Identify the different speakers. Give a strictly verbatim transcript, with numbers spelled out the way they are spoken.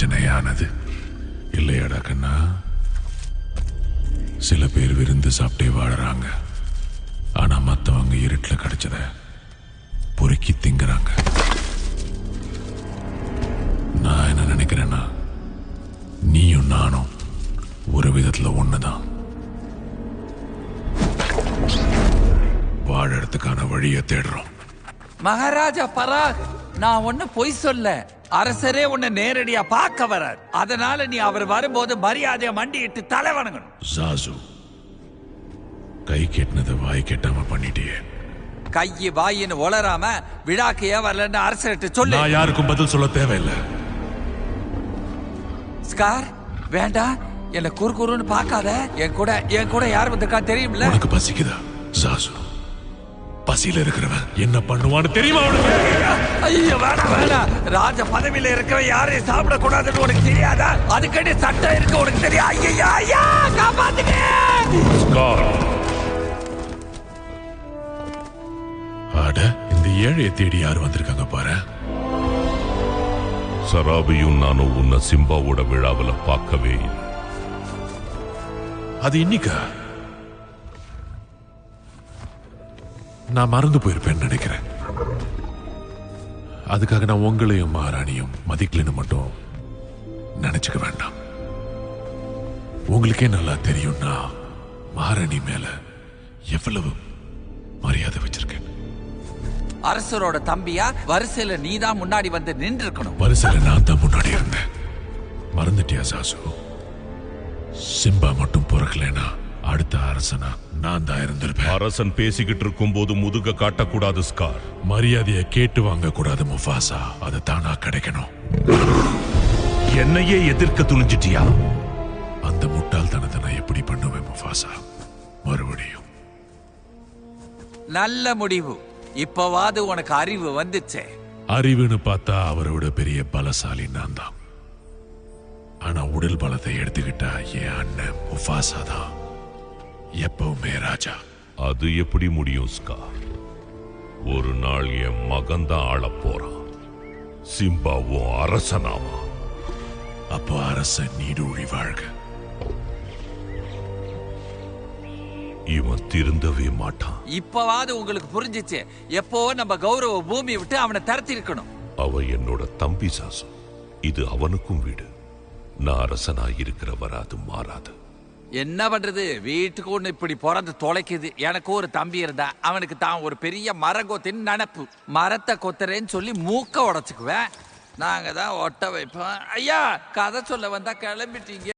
Speaker 1: பிரச்சனையானது இல்லையாடா கண்ணா? சில பேர் விருந்து சாப்பிட்டே வாழறாங்க, ஆனா மத்தவங்க இருட்டுல கிடைச்சத பொறுக்கி திங்குறாங்க. நான் என்ன நினைக்கிறேன்னா, நீயும் நானும் ஒரு விதத்துல ஒண்ணுதான். வாழறதுக்கான வழியை தேடுறோம்.
Speaker 2: மகாராஜா பராக், நான் ஒண்ணு பொய் சொல்ல. அரசரே உன்னை நேரடியா பார்க்க வரார். அதனால நீ அவர் வரும்போது மரியாதையா மண்டியிட்டு தலை வணங்கணும்.
Speaker 1: ஜாசு, கை கெட்டினதை வாய் கெட்டாம பண்ணிட்டியே.
Speaker 2: கையை வாயின்னு ஒளராம விழாக்கு ஏன் வரலன்னு அரசர்கிட்ட சொல்லு.
Speaker 1: நான் யாருக்கும் பதில் சொல்ல தேவையில்லை.
Speaker 2: ஸ்கார், வேண்டாம், என்ன குறு குறுன்னு பார்க்காத. என் கூட என் கூட யார் வந்திருக்கா தெரியும்ல?
Speaker 1: உனக்கு பசிக்குதா ஜாசு? பசியில இருக்கிறவன் என்ன பண்ணுவான்னு தெரியுமா உனக்கு?
Speaker 2: ஐயோ வேணாம் வேணாம். ராஜ பதவியில இருக்கவன் யாரையும் சாப்பிட கூடாதுன்னு உனக்கு தெரியாதா? அதுக்கடி சட்டம் இருக்கு, உனக்கு தெரியும். ஐயா ஐயா, காப்பாத்துங்க.
Speaker 1: அட, இந்த ஏழையை தேடி யார் வந்திருக்காங்க பாரு.
Speaker 3: சராபியும் நானும் உன்னை சிம்பாவோட விழாவில் பார்க்கவே இல்லை.
Speaker 1: அது இன்னைக்கா? நான் மறந்து போயிருப்பேன்னு நினைக்கிறேன். அதுக்காக நான் உங்களையும் மகாராணியும் மதிக்கலன்னு மட்டும் நினைச்சுக்க வேண்டாம். உங்களுக்கே நல்லா தெரியும்னா மகாராணி மேல எவ்வளவு மரியாதை வச்சிருக்கேன்.
Speaker 2: அரசரோட தம்பியா வரிசையில நீதான் முன்னாடி வந்து நின்று இருக்கணும்.
Speaker 1: வரிசையில நான் தான் முன்னாடி இருந்தேன். மறந்துட்டியா சாசு? சிம்பா மட்டும் பிறக்கலைன்னா அடுத்த அரசனா நான் தான் இருந்திருப்பேன்.
Speaker 3: அரசன் பேசிக்கிட்டு இருக்கும் போது முதுக காட்டக்கூடாது ஸ்கார்.
Speaker 1: மரியாதையை கேட்டு வாங்க கூடாது முஃபாசா. அது தானா கிடைக்கணும்.
Speaker 3: என்னையே எதிர்க்க துணிஞ்சிட்டியா?
Speaker 1: அந்த முட்டாள்தனத்தை நான் எப்படி பண்ணுவேன் முஃபாசா? மறுபடியும்
Speaker 2: நல்ல முடிவு. இப்பவாது உனக்கு அறிவு வந்துச்சே.
Speaker 1: அறிவுன்னு பார்த்தா அவரோட பெரிய பலசாலி நான் தான். ஆனா உடல் பலத்தை எடுத்துக்கிட்டா என் அண்ணன் முஃபாசா தான் எப்பவுமே ராஜா.
Speaker 3: அது எப்படி முடியும் ஸ்கார்? ஒரு நாள் என் மகன் தான் ஆள போறான். சிம்பாவும் அரசனாமா.
Speaker 1: அப்போ அரசன் நீடூழி வாழ்க.
Speaker 3: இவன் திருந்தவே மாட்டான்.
Speaker 2: இப்பவாது உங்களுக்கு புரிஞ்சிச்சு. எப்போ நம்ம கௌரவ பூமி விட்டு அவனை தரத்தி இருக்கணும்.
Speaker 3: அவன் என்னோட தம்பி சாசு. இது அவனுக்கும் வீடு. நான் அரசனா இருக்கிற வராது மாறாது.
Speaker 2: என்ன பண்றது? வீட்டுக்கு ஒண்ணு இப்படி பிறந்து தொலைக்குது. எனக்கு ஒரு தம்பி இருந்தா அவனுக்கு தான் ஒரு பெரிய மரம் கொத்தின்னு நினப்பு. மரத்தை கொத்துறேன்னு சொல்லி மூக்க உடைச்சுக்குவேன். நாங்க தான் ஒட்ட வைப்போம். ஐயா, கதை சொல்ல வந்தா கிளம்பிட்டீங்க.